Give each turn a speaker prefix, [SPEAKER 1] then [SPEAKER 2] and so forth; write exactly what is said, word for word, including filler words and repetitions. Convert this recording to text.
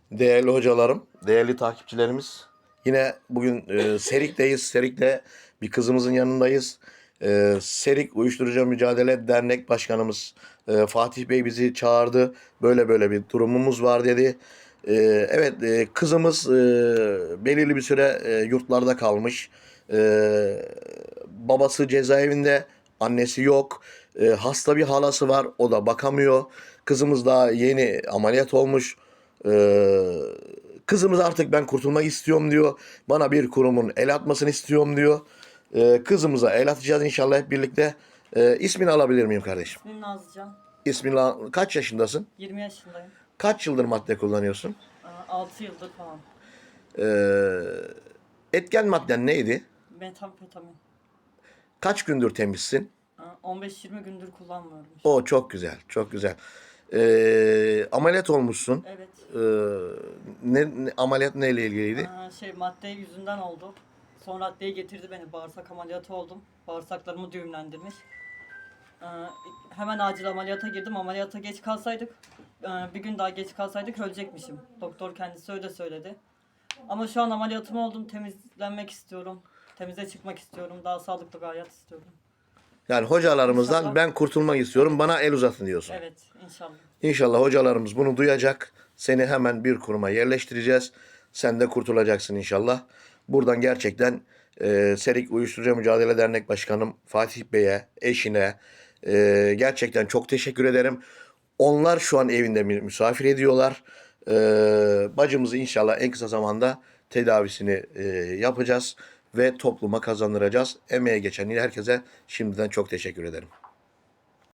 [SPEAKER 1] Değerli hocalarım, değerli takipçilerimiz. Yine bugün e, Serik'teyiz. Serik'te bir kızımızın yanındayız. E, Serik Uyuşturucu Mücadele Dernek Başkanımız e, Fatih Bey bizi çağırdı. Böyle böyle bir durumumuz var dedi. E, evet, e, kızımız e, belirli bir süre e, yurtlarda kalmış. E, babası cezaevinde, annesi yok. E, hasta bir halası var, o da bakamıyor. Kızımız daha yeni ameliyat olmuş. Ee, Kızımız artık ben kurtulmak istiyorum diyor. Bana bir kurumun el atmasını istiyorum diyor. Ee, kızımıza el atacağız inşallah hep birlikte. Ee, ismini alabilir miyim kardeşim?
[SPEAKER 2] İsmim Nazlıcan.
[SPEAKER 1] İsmini al- kaç yaşındasın?
[SPEAKER 2] yirmi yaşındayım.
[SPEAKER 1] Kaç yıldır madde kullanıyorsun?
[SPEAKER 2] altı yıldır falan.
[SPEAKER 1] Ee, Etken madden neydi?
[SPEAKER 2] Metamfetamin.
[SPEAKER 1] Kaç gündür temizsin?
[SPEAKER 2] on beş yirmi gündür kullanmıyorum.
[SPEAKER 1] O çok güzel, çok güzel. Ee, ameliyat olmuşsun.
[SPEAKER 2] Evet.
[SPEAKER 1] Ee, ne, ne- ameliyat neyle ilgiliydi?
[SPEAKER 2] Aa, şey madde yüzünden oldu. Sonra adliye getirdi beni. Bağırsak ameliyatı oldum. Bağırsaklarımı düğümlendirmiş. Aa, hemen acil ameliyata girdim. Ameliyata geç kalsaydık, aa, bir gün daha geç kalsaydık ölecekmişim. Doktor kendisi öyle söyledi. Ama şu an ameliyatım oldum. Temizlenmek istiyorum. Temize çıkmak istiyorum. Daha sağlıklı bir hayat istiyorum.
[SPEAKER 1] Yani hocalarımızdan
[SPEAKER 2] İnşallah.
[SPEAKER 1] ben kurtulmak istiyorum, bana el uzatın diyorsun.
[SPEAKER 2] Evet, inşallah.
[SPEAKER 1] İnşallah hocalarımız bunu duyacak. Seni hemen bir kuruma yerleştireceğiz. Sen de kurtulacaksın inşallah. Buradan gerçekten e, Serik Uyuşturucu Mücadele Dernek Başkanım Fatih Bey'e, eşine e, gerçekten çok teşekkür ederim. Onlar şu an evinde mi- misafir ediyorlar. E, Bacımızı inşallah en kısa zamanda tedavisini e, yapacağız ve topluma kazandıracağız. Emeğe geçen herkese şimdiden çok teşekkür ederim.